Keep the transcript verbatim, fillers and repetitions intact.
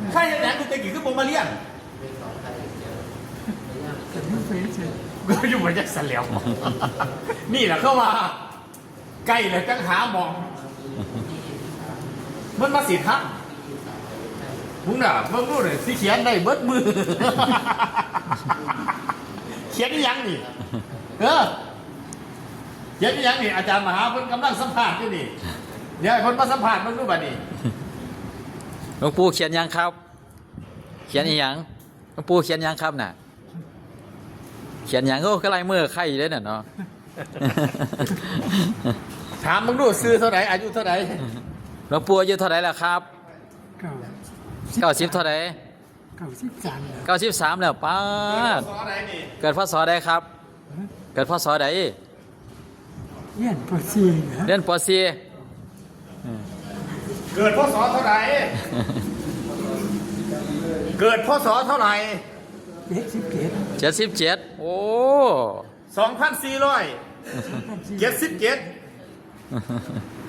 ใครจะแหนกูจะกี่ขึ้นโปรมาเลียนก็อยู่มาจากสเหลียวนี่แหละเข้ามาใกล้เลยจังหามองมันมาสิครับมึงน่ะมึงรู้เลยสิเขียนได้เบิดมือเขียนยังนี่เออเขียนยังนี่อาจารย์มหาเพิ่นกำลังสัมภาษณ์อยู่นี่เดี๋ยวคนมาสัมภาษณ์มึงรู้ป่ะนี่หลวงปู่เขียนยังครับเขียนอีหยังหลวงปู่เขียนยังครับน่ะเขียนยังก็กระไรเมื่อไข่ได้น่ะเนาะถามมึงดูซื้อเท่าไหร่อายุเท่าไหร่หลวงปู่อายุเท่าไหร่แล้วครับเก้าสิบเท่าไหร่เก้าสิบสามเก้าสิบสามแล้วป้าเกิดพศใดครับเกิดพศใดเรียนปสี่เรียนปสี่เกิดพศเท่าไหร่เกิดพศเท่าไหร่เจ็ดสิบเจ็ดเจ็ดสิบเจ็ดโอ้สองพันสี่ร้อยเจ็ดสิบเจ็ด